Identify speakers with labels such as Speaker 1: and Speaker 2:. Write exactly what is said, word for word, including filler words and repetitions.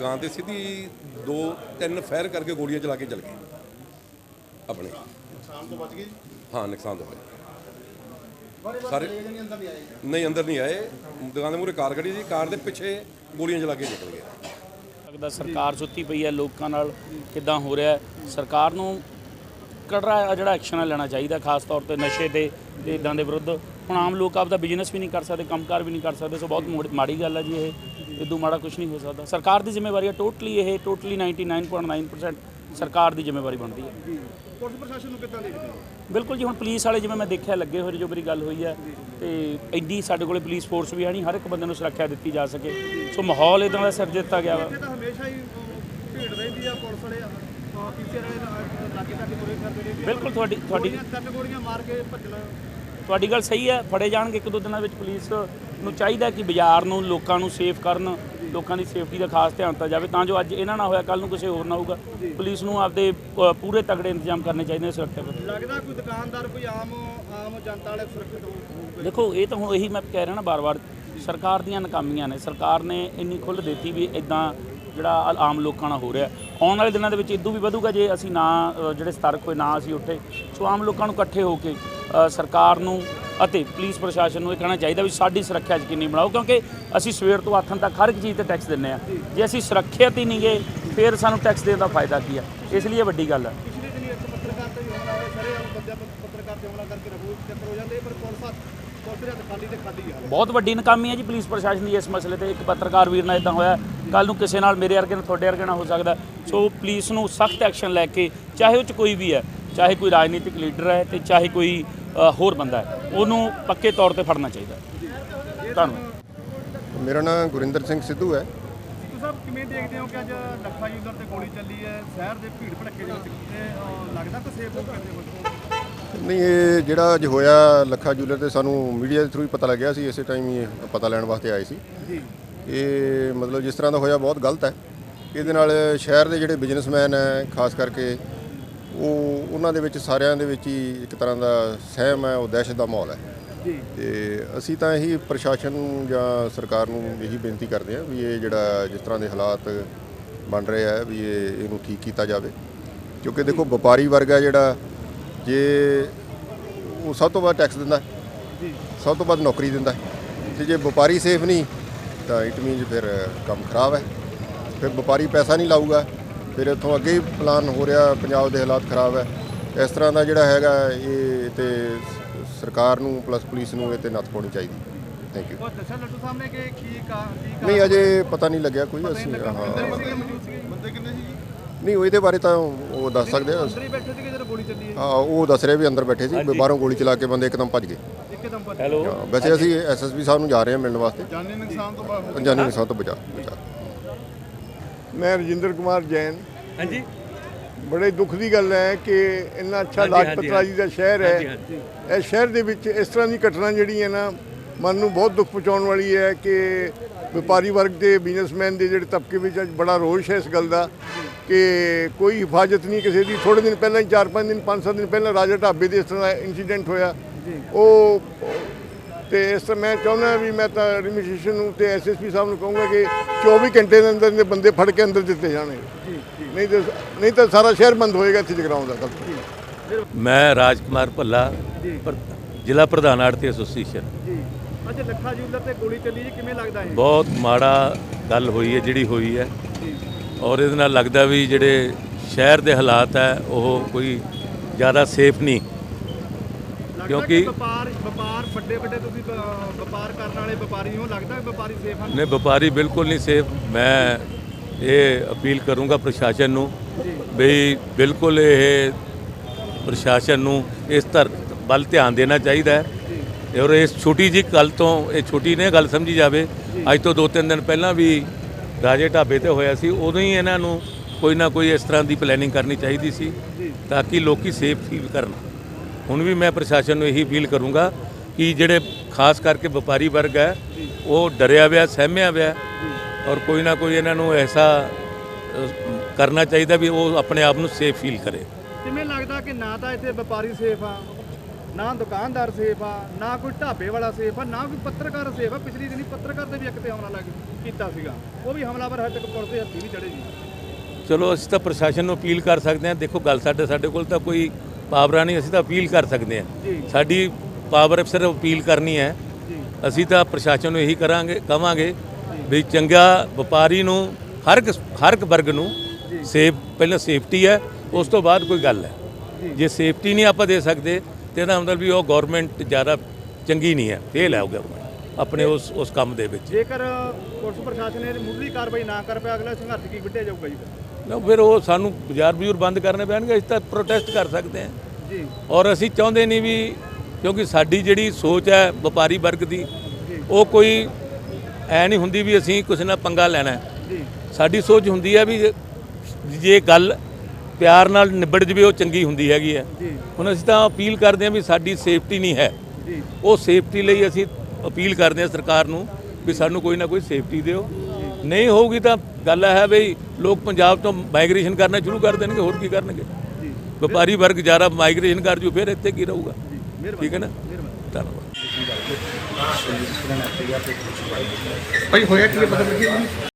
Speaker 1: ਦੁਕਾਨ ਤੇ ਸਿੱਧੀ ਦੋ ਤਿੰਨ ਫਾਇਰ ਕਰਕੇ ਗੋਲੀਆਂ ਚਲਾ ਕੇ ਚਲ ਗਏ ਆਪਣੇ।
Speaker 2: ਨੁਕਸਾਨ ਤੋਂ ਬਚ ਗਏ?
Speaker 1: ਹਾਂ, ਨੁਕਸਾਨ ਤੋਂ ਬਚ ਸਾਰੇ ਨਹੀਂ, ਅੰਦਰ ਨਹੀਂ ਆਏ। ਦੁਕਾਨ ਦੇ ਮੂਹਰੇ ਕਾਰ ਖੜੀ ਸੀ, ਕਾਰ ਦੇ ਪਿੱਛੇ ਗੋਲੀਆਂ ਚਲਾ ਕੇ ਨਿਕਲ ਗਏ।
Speaker 3: ਲੱਗਦਾ ਸਰਕਾਰ ਸੁੱਤੀ ਪਈ ਹੈ, ਲੋਕਾਂ ਨਾਲ ਕਿੱਦਾਂ ਹੋ ਰਿਹਾ। ਸਰਕਾਰ ਨੂੰ ਕੜਰਾ ਜਿਹੜਾ ਐਕਸ਼ਨ ਲੈਣਾ ਚਾਹੀਦਾ, ਖਾਸ ਤੌਰ ਤੇ ਨਸ਼ੇ ਤੇ ਤੇ ਇਦਾਂ ਦੇ ਵਿਰੁੱਧ। ਹੁਣ ਆਮ ਲੋਕ ਆਪਦਾ ਬਿਜ਼ਨਸ ਵੀ ਨਹੀਂ ਕਰ ਸਕਦੇ, ਕੰਮਕਾਰ ਵੀ ਨਹੀਂ ਕਰ ਸਕਦੇ, ਸੋ ਬਹੁਤ ਮਾੜੀ ਗੱਲ ਹੈ ਜੀ। ਇਹ ਇਦੋਂ ਮਾੜਾ ਕੁਝ ਨਹੀਂ ਹੋ ਸਕਦਾ। ਸਰਕਾਰ ਦੀ ਜ਼ਿੰਮੇਵਾਰੀ ਹੈ ਟੋਟਲੀ, ਇਹ totally ninety nine point nine percent ਸਰਕਾਰ ਦੀ ਜ਼ਿੰਮੇਵਾਰੀ ਬਣਦੀ ਹੈ।
Speaker 2: ਪੁਲਿਸ ਪ੍ਰਸ਼ਾਸਨ ਨੂੰ ਕਿੱਦਾਂ ਦੇਖਦੇ ਹੋ?
Speaker 3: ਬਿਲਕੁਲ ਜੀ, ਹੁਣ ਪੁਲਿਸ ਵਾਲੇ ਜਿਵੇਂ ਮੈਂ ਦੇਖਿਆ ਲੱਗੇ ਹੋਏ ਜੋ ਮੇਰੀ ਗੱਲ ਹੋਈ ਹੈ, ਤੇ ਐਡੀ ਸਾਡੇ ਕੋਲੇ ਪੁਲਿਸ ਫੋਰਸ ਵੀ ਹੈ ਨਹੀਂ, ਹਰ ਇੱਕ ਬੰਦੇ ਨੂੰ ਸੁਰੱਖਿਆ ਦਿੱਤੀ ਜਾ ਸਕੇ। ਸੋ ਮਾਹੌਲ ਇਦਾਂ ਦਾ ਸਿਰ ਦਿੱਤਾ ਗਿਆ ਵਾ।
Speaker 2: ਇੱਥੇ ਤਾਂ ਹਮੇਸ਼ਾ ਹੀ ਭੀੜ ਰਹਿੰਦੀ ਆ, ਪੁਲਿਸ ਵਾਲੇ ਪੀਛੇ ਲਾਗੇ ਤੱਕ ਤੁਰੇ ਫਿਰਦੇ ਨੇ।
Speaker 3: ਬਿਲਕੁਲ ਤੁਹਾਡੀ ਤੁਹਾਡੀ
Speaker 2: ਤਿੰਨ ਗੋਲੀਆਂ ਮਾਰ ਕੇ ਭੱਜਣਾ।
Speaker 3: ਤੁਹਾਡੀ ਗੱਲ ਸਹੀ ਹੈ, ਫੜੇ ਜਾਣਗੇ ਇੱਕ ਦੋ ਦਿਨਾਂ ਵਿੱਚ। ਪੁਲਿਸ ਨੂੰ ਚਾਹੀਦਾ ਕਿ ਬਾਜ਼ਾਰ ਨੂੰ, ਲੋਕਾਂ ਨੂੰ ਸੇਫ ਕਰਨ, ਲੋਕਾਂ ਦੀ ਸੇਫਟੀ ਦਾ ਖਾਸ ਧਿਆਨ ਦਿੱਤਾ ਜਾਵੇ, ਤਾਂ ਜੋ ਅੱਜ ਇਹਨਾਂ ਨਾ ਹੋਇਆ ਕੱਲ ਨੂੰ ਕਿਸੇ ਹੋਰ ਨਾ ਹੋਊਗਾ। ਪੁਲਿਸ ਨੂੰ ਆਪਦੇ ਪੂਰੇ ਤਗੜੇ ਇੰਤਜ਼ਾਮ ਕਰਨੇ ਚਾਹੀਦੇ ਨੇ ਸੁਰੱਖਿਆ ਦੇ।
Speaker 2: ਲੱਗਦਾ ਕੋਈ ਦੁਕਾਨਦਾਰ, ਕੋਈ ਆਮ ਆਮ ਜਨਤਾ ਵਾਲੇ ਸੁਰੱਖਿਅਤ ਹੋਊ?
Speaker 3: ਦੇਖੋ, ਇਹ ਤਾਂ ਹੁਣ ਇਹੀ ਮੈਂ ਕਹਿ ਰਿਹਾ ਨਾ ਬਾਰ-ਬਾਰ, ਸਰਕਾਰ ਦੀਆਂ ਨਾਕਾਮੀਆਂ ਨੇ। ਸਰਕਾਰ ਨੇ ਇੰਨੀ ਖੁੱਲ੍ਹ ਦਿੱਤੀ ਵੀ ਇੱਦਾਂ ਜਿਹੜਾ ਆਮ ਲੋਕਾਂ ਨਾਲ ਹੋ ਰਿਹਾ। ਆਉਣ ਵਾਲੇ ਦਿਨਾਂ ਦੇ ਵਿੱਚ ਇਦੋਂ ਵੀ ਵਧੂਗਾ ਜੇ ਅਸੀਂ ਨਾ ਜਿਹੜੇ ਸਤਰਕ ਹੋਏ, ਨਾ ਅਸੀਂ ਉੱਠੇ। ਸੋ ਆਮ ਲੋਕਾਂ ਨੂੰ ਇਕੱਠੇ ਹੋ ਕੇ ਸਰਕਾਰ ਨੂੰ ਅਤੇ ਪੁਲਿਸ ਪ੍ਰਸ਼ਾਸਨ ਨੂੰ ਇਹ ਕਹਿਣਾ ਚਾਹੀਦਾ ਵੀ ਸਾਡੀ ਸੁਰੱਖਿਆ ਯਕੀਨੀ ਬਣਾਓ, ਕਿਉਂਕਿ ਅਸੀਂ ਸਵੇਰ ਤੋਂ ਆਥਣ ਤੱਕ ਹਰ ਇੱਕ ਚੀਜ਼ ਤੇ ਟੈਕਸ ਦਿੰਦੇ ਹਾਂ। ਜੇ ਅਸੀਂ ਸੁਰੱਖਿਅਤ ਹੀ ਨਹੀਂ ਗਏ, ਫਿਰ ਸਾਨੂੰ ਟੈਕਸ ਦੇਣ ਦਾ ਫਾਇਦਾ ਕੀ ਆ? ਇਸ ਲਈ ਇਹ ਵੱਡੀ ਗੱਲ ਹੈ।
Speaker 2: ਪਿਛਲੇ ਦਿਨੀ ਇੱਕ ਪੱਤਰਕਾਰ ਤੇ ਵੀ ਹਮਲਾ ਹੋਇਆ, ਸਾਰੇ ਆਮ ਬੰਦਿਆਂ ਪੱਤਰਕਾਰ ਤੇ ਹਮਲਾ ਕਰਕੇ ਰਬੂ ਚੱਕਰ ਹੋ ਜਾਂਦੇ, ਪਰ ਪੁਲਿਸ ਪੁਲਿਸ ਦੇ ਹੱਥ ਖਾਲੀ ਤੇ ਖਾਲੀ ਆ।
Speaker 3: ਬਹੁਤ ਵੱਡੀ ਨਾਕਾਮੀ ਹੈ ਜੀ ਪੁਲਿਸ ਪ੍ਰਸ਼ਾਸਨ ਦੀ ਇਸ ਮਸਲੇ ਤੇ। ਇੱਕ ਪੱਤਰਕਾਰ ਵੀਰ ਨਾਲ ਇੱਦਾਂ ਹੋਇਆ, ਕੱਲ੍ਹ ਨੂੰ ਕਿਸੇ ਨਾਲ, ਮੇਰੇ ਵਰਗੇ ਨਾਲ, ਤੁਹਾਡੇ ਵਰਗੇ ਨਾਲ ਹੋ ਸਕਦਾ। ਸੋ ਪੁਲਿਸ ਨੂੰ ਸਖਤ ਐਕਸ਼ਨ ਲੈ ਕੇ, ਚਾਹੇ ਉਹ 'ਚ ਕੋਈ ਵੀ ਹੈ, ਚਾਹੇ ਕੋਈ ਰਾਜਨੀਤਿਕ ਲੀਡਰ ਹੈ ਤੇ ਚਾਹੇ ਕੋਈ ਹੋਰ ਬੰਦਾ ਹੈ, ਉਹਨੂੰ ਪੱਕੇ ਤੌਰ ਤੇ ਫੜਨਾ ਚਾਹੀਦਾ। ਧੰਨਵਾਦ।
Speaker 4: ਮੇਰਾ ਨਾਮ ਗੁਰਿੰਦਰ ਸਿੰਘ ਸਿੱਧੂ ਹੈ।
Speaker 2: ਸਿੱਧੂ ਸਾਹਿਬ, ਕਿਵੇਂ ਦੇਖਦੇ ਹੋ ਕਿ ਅੱਜ ਲੱਖਾ ਯੂਜ਼ਰ ਤੇ ਗੋਲੀ ਚੱਲੀ ਹੈ ਸ਼ਹਿਰ ਦੇ ਭੀੜ ਭੜੱਕੇ ਦੇ ਵਿੱਚ? ਲੱਗਦਾ ਕਿ ਸੇਫ ਹੋ ਕਰਦੇ ਹੋ?
Speaker 4: ਨਹੀਂ, ਇਹ ਜਿਹੜਾ ਅੱਜ ਹੋਇਆ ਲੱਖਾ ਜੂਲਰ ਤੇ ਸਾਨੂੰ ਮੀਡੀਆ ਦੇ ਥਰੂ ਹੀ ਪਤਾ ਲੱਗਿਆ ਸੀ, ਇਸੇ ਟਾਈਮ ਹੀ ਪਤਾ ਲੈਣ ਵਾਸਤੇ ਆਏ ਸੀ। ਇਹ ਮਤਲਬ ਜਿਸ ਤਰ੍ਹਾਂ ਦਾ ਹੋਇਆ ਬਹੁਤ ਗਲਤ ਹੈ। ਇਹਦੇ ਨਾਲ ਸ਼ਹਿਰ ਦੇ ਜਿਹੜੇ ਬਿਜ਼ਨਸਮੈਨ ਹੈ, ਖਾਸ ਕਰਕੇ ਉਹ ਉਹਨਾਂ ਦੇ ਵਿੱਚ ਸਾਰਿਆਂ ਦੇ ਵਿੱਚ ਹੀ ਇੱਕ ਤਰ੍ਹਾਂ ਦਾ ਸਹਿਮ ਹੈ, ਉਹ ਦਹਿਸ਼ਤ ਦਾ ਮਾਹੌਲ ਹੈ। ਤੇ ਅਸੀਂ ਤਾਂ ਇਹੀ ਪ੍ਰਸ਼ਾਸਨ ਨੂੰ ਜਾਂ ਸਰਕਾਰ ਨੂੰ ਇਹੀ ਬੇਨਤੀ ਕਰਦੇ ਹਾਂ ਵੀ ਇਹ ਜਿਹੜਾ ਜਿਸ ਤਰ੍ਹਾਂ ਦੇ ਹਾਲਾਤ ਬਣ ਰਹੇ ਆ ਵੀ ਇਹ ਇਹਨੂੰ ਠੀਕ ਕੀਤਾ ਜਾਵੇ। ਕਿਉਂਕਿ ਦੇਖੋ, ਵਪਾਰੀ ਵਰਗ ਹੈ ਜਿਹੜਾ, ਜੇ ਉਹ ਸਭ ਤੋਂ ਵੱਧ ਟੈਕਸ ਦਿੰਦਾ, ਸਭ ਤੋਂ ਵੱਧ ਨੌਕਰੀ ਦਿੰਦਾ, ਤੇ ਜੇ ਵਪਾਰੀ ਸੇਫ ਨਹੀਂ ਤਾਂ ਇਟ ਮੀਨਸ ਫਿਰ ਕੰਮ ਖਰਾਬ ਹੈ। ਫਿਰ ਵਪਾਰੀ ਪੈਸਾ ਨਹੀਂ ਲਾਊਗਾ, ਫਿਰ ਇੱਥੋਂ ਅੱਗੇ ਹੀ ਪਲਾਨ ਹੋ ਰਿਹਾ, ਪੰਜਾਬ ਦੇ ਹਾਲਾਤ ਖਰਾਬ ਹੈ। ਇਸ ਤਰ੍ਹਾਂ ਦਾ ਜਿਹੜਾ ਹੈਗਾ, ਇਹ ਤੇ ਸਰਕਾਰ ਨੂੰ ਪਲੱਸ ਪੁਲਿਸ ਨੂੰ ਇਹ 'ਤੇ ਨੱਥ ਪਾਉਣੀ ਚਾਹੀਦੀ। Thank you.
Speaker 2: ਦੱਸਿਆ ਲੱਡੂ ਸਾਹਿਬ ਨੇ ਕਿ ਕੀ
Speaker 4: ਨਹੀਂ, ਅਜੇ ਪਤਾ ਨਹੀਂ ਲੱਗਿਆ ਕੋਈ। ਅਸੀਂ ਹਾਂ,
Speaker 2: ਬੰਦੇ ਕਿੰਨੇ ਸੀ?
Speaker 4: ਨਹੀਂ, ਉਹ ਇਹਦੇ ਬਾਰੇ ਤਾਂ ਉਹ ਦੱਸ ਸਕਦੇ ਆ।
Speaker 2: ਅੰਦਰ ਹੀ ਬੈਠੇ ਸੀਗੇ ਜਦੋਂ ਗੋਲੀ ਚੱਲੀ ਹੈ?
Speaker 4: ਹਾਂ, ਉਹ ਦੱਸ ਰਿਹਾ ਵੀ ਅੰਦਰ ਬੈਠੇ ਸੀ, ਬਾਹਰੋਂ ਗੋਲੀ ਚਲਾ ਕੇ ਬੰਦੇ ਇੱਕਦਮ ਭੱਜ ਗਏ।
Speaker 2: ਇੱਕਦਮ ਭੱਜ
Speaker 3: ਹੈਲੋ।
Speaker 4: ਵੈਸੇ ਅਸੀਂ ਐਸ ਐਸ ਪੀ ਸਾਹਿਬ ਨੂੰ ਜਾ ਰਹੇ ਹਾਂ ਮਿਲਣ ਵਾਸਤੇ।
Speaker 2: ਜਾਨੀ ਨੁਕਸਾਨ ਤੋਂ ਬਾਅਦ
Speaker 4: ਜਾਨੀ ਨੁਕਸਾਨ ਤੋਂ ਬਚਾ ਬਚਾ
Speaker 5: मैं रजिंदर कुमार जैन।
Speaker 3: हाँ जी।
Speaker 5: बड़े दुख की गल है कि इन्ना अच्छा लाजपत राजी का शहर है, इस शहर के विच इस तरह की घटना जी है ना, मन में बहुत दुख पहुँचाने वाली है कि व्यापारी वर्ग के बिजनेसमैन के जोड़े तबके में अज बड़ा रोष है इस गल का कि कोई हिफाजत नहीं किसी की। थोड़े दिन पहले, चार पाँच दिन पाँच सात दिन पहले राजा ढाबे से इस तरह का इंसीडेंट होया। वो तो इस तरह मैं चाहना भी, मैं तो एडमिनिस्ट्रेशन तो एस एस पी साहब को कहूँगा कि चौबीस घंटे के अंदर इन्हें बंदे फड़ के अंदर दिते जाने, नहीं तो नहीं तो सारा शहर बंद होएगा इतने जगराउं का।
Speaker 6: मैं राजकुमार भल्ला, जिला प्रधान आड़ती एसोसीएशन।
Speaker 2: अच्छा, ਲੱਖਾ ਯੂਜ਼ਰ ਤੇ ਗੋਲੀ ਚੱਲੀ ਜੀ, ਕਿਵੇਂ ਲੱਗਦਾ ਹੈ?
Speaker 6: बहुत माड़ा गल हुई है ਜਿਹੜੀ ਹੋਈ है, और ਇਹਦੇ ਨਾਲ लगता भी ਜਿਹੜੇ शहर के हालात है वो कोई ज़्यादा सेफ नहीं, क्योंकि
Speaker 2: ਵਪਾਰ ਵਪਾਰ ਵੱਡੇ ਵੱਡੇ ਤੁਸੀਂ ਵਪਾਰ ਕਰਨ ਵਾਲੇ ਵਪਾਰੀ ਹੋ, ਲੱਗਦਾ ਵਪਾਰੀ ਸੇਫ ਹਨ?
Speaker 6: नहीं, व्यापारी बिल्कुल नहीं सेफ। मैं ये अपील करूँगा प्रशासन ਨੂੰ भी बिल्कुल ये प्रशासन ਨੂੰ इस धर ਵੱਲ ਧਿਆਨ ਦੇਣਾ ਚਾਹੀਦਾ ਹੈ। और इस छोटी जी गल तो ये छोटी ने गल समझी जाए। अज तो दो तीन दिन पहला भी राजे ढाबे ते होया सी, उदों ही इन्हां नूं कोई ना कोई इस तरह की प्लैनिंग करनी चाहिए सी ताकि लोग सेफ फील करन। हुण भी मैं प्रशासन नूं यही अपील करूँगा कि जिहड़े खास करके व्यापारी वर्ग है वो डरिया हुआ, सहमिया हुआ, और कोई ना कोई इन्हां नूं ऐसा करना चाहिए भी वो अपने आप नूं सेफ फील करे।
Speaker 2: किवें लगदा कि ना तां इत्थे व्यापारी सेफ आ ਨਾ ਦੁਕਾਨਦਾਰ ਸੇਫ ਆ, ਨਾ ਕੋਈ ਢਾਬੇ ਵਾਲਾ ਸੇਫ ਆ, ਨਾ ਕੋਈ ਪੱਤਰਕਾਰ ਸੇਫ ਆ। ਪਿਛਲੀ ਦਿਨੀ ਪੱਤਰਕਾਰ ਦੇ ਵੀ ਇੱਕ ਤੇ ਹਮਲਾ ਲੱਗ ਕੀਤਾ ਸੀਗਾ, ਉਹ ਵੀ ਹਮਲਾਵਰ ਹਜੇ ਤੱਕ ਪੁਲਿਸ ਦੇ ਹੱਥੀ ਨਹੀਂ ਚੜੇ ਜੀ।
Speaker 6: ਚਲੋ ਅਸੀਂ ਤਾਂ ਪ੍ਰਸ਼ਾਸਨ ਨੂੰ ਅਪੀਲ ਕਰ ਸਕਦੇ ਹਾਂ। ਦੇਖੋ ਗੱਲ ਸਾਡੇ ਸਾਡੇ ਕੋਲ ਤਾਂ ਕੋਈ ਪਾਵਰ ਨਹੀਂ, ਅਸੀਂ ਤਾਂ ਅਪੀਲ ਕਰ ਸਕਦੇ ਹਾਂ। ਸਾਡੀ ਪਾਵਰ ਸਿਰਫ ਅਪੀਲ ਕਰਨੀ ਹੈ। ਅਸੀਂ ਤਾਂ ਪ੍ਰਸ਼ਾਸਨ ਨੂੰ ਇਹੀ ਕਰਾਂਗੇ ਕਵਾਂਗੇ ਵੀ ਚੰਗਾ ਵਪਾਰੀ ਨੂੰ ਹਰ ਇੱਕ ਹਰ ਇੱਕ ਵਰਗ ਨੂੰ ਸੇਫ, ਪਹਿਲਾਂ ਸੇਫਟੀ ਹੈ, ਉਸ ਤੋਂ ਬਾਅਦ ਕੋਈ ਗੱਲ ਹੈ। ਜੇ ਸੇਫਟੀ ਨਹੀਂ ਆਪਾਂ ਦੇ ਸਕਦੇ ਤੇ ਇਹਦਾ ਮਤਲਬ ਵੀ ਉਹ ਗਵਰਨਮੈਂਟ ਜ਼ਿਆਦਾ ਚੰਗੀ ਨਹੀਂ ਹੈ, ਫੇਲ ਹੈ ਉਹ ਗਵਰਨਮੈਂਟ ਆਪਣੇ ਉਸ ਉਸ ਕੰਮ ਦੇ ਵਿੱਚ।
Speaker 2: ਜੇਕਰ ਪੁਲਿਸ ਪ੍ਰਸ਼ਾਸਨ ਨੇ ਮੁੱਢਲੀ ਕਾਰਵਾਈ ਨਾ ਕਰ ਪਿਆ, ਅਗਲਾ ਸੰਘਰਸ਼ ਕੀ ਵਿੱਢਿਆ ਜਾਊਗਾ ਜੀ?
Speaker 6: ਨਾ ਫਿਰ ਉਹ ਸਾਨੂੰ ਬਾਜ਼ਾਰ ਬਜ਼ੂਰ ਬੰਦ ਕਰਨੇ ਪੈਣਗੇ। ਅਸੀਂ ਤਾਂ ਪ੍ਰੋਟੈਸਟ ਕਰ ਸਕਦੇ ਹਾਂ
Speaker 2: ਜੀ,
Speaker 6: ਔਰ ਅਸੀਂ ਚਾਹੁੰਦੇ ਨਹੀਂ ਵੀ, ਕਿਉਂਕਿ ਸਾਡੀ ਜਿਹੜੀ ਸੋਚ ਹੈ ਵਪਾਰੀ ਵਰਗ ਦੀ, ਉਹ ਕੋਈ ਐ ਨਹੀਂ ਹੁੰਦੀ ਵੀ ਅਸੀਂ ਕਿਸੇ ਨਾਲ ਪੰਗਾ ਲੈਣਾ ਹੈ।
Speaker 2: ਜੀ,
Speaker 6: ਸਾਡੀ ਸੋਚ ਹੁੰਦੀ ਹੈ ਵੀ ਜੇ ਗੱਲ ਪਿਆਰ ਨਾਲ ਨਿਬੜ ਜਵੇ ਉਹ ਚੰਗੀ ਹੁੰਦੀ ਹੈਗੀ ਹੈ।
Speaker 2: ਜੀ,
Speaker 6: ਹੁਣ ਅਸੀਂ ਤਾਂ ਅਪੀਲ ਕਰਦੇ ਹਾਂ ਵੀ ਸਾਡੀ ਸੇਫਟੀ ਨਹੀਂ ਹੈ,
Speaker 2: ਜੀ,
Speaker 6: ਉਹ ਸੇਫਟੀ ਲਈ ਅਸੀਂ ਅਪੀਲ ਕਰਦੇ ਹਾਂ ਸਰਕਾਰ ਨੂੰ ਵੀ ਸਾਨੂੰ ਕੋਈ ਨਾ ਕੋਈ ਸੇਫਟੀ ਦਿਓ। ਨਹੀਂ ਹੋਊਗੀ ਤਾਂ ਗੱਲ ਹੈ ਵੀ ਲੋਕ ਪੰਜਾਬ ਤੋਂ ਮਾਈਗ੍ਰੇਸ਼ਨ ਕਰਨਾ ਸ਼ੁਰੂ ਕਰ ਦੇਣਗੇ, ਹੋਰ ਕੀ ਕਰਨਗੇ।
Speaker 2: ਜੀ,
Speaker 6: ਵਪਾਰੀ ਵਰਗ ਜ਼ਿਆਦਾ ਮਾਈਗ੍ਰੇਸ਼ਨ ਕਰ ਜੂ, ਫਿਰ ਇੱਥੇ ਕੀ ਰਹੂਗਾ।
Speaker 2: ਮਿਹਰਬਾਨੀ,
Speaker 6: ਠੀਕ ਹੈ ਨਾ,
Speaker 2: ਮਿਹਰਬਾਨੀ।
Speaker 6: ਧੰਨਵਾਦ।
Speaker 2: ਭਾਈ ਹੋਇਆ ਕੀ ਹੈ, ਪਤਾ ਲੱਗਿਆ ਜੀ?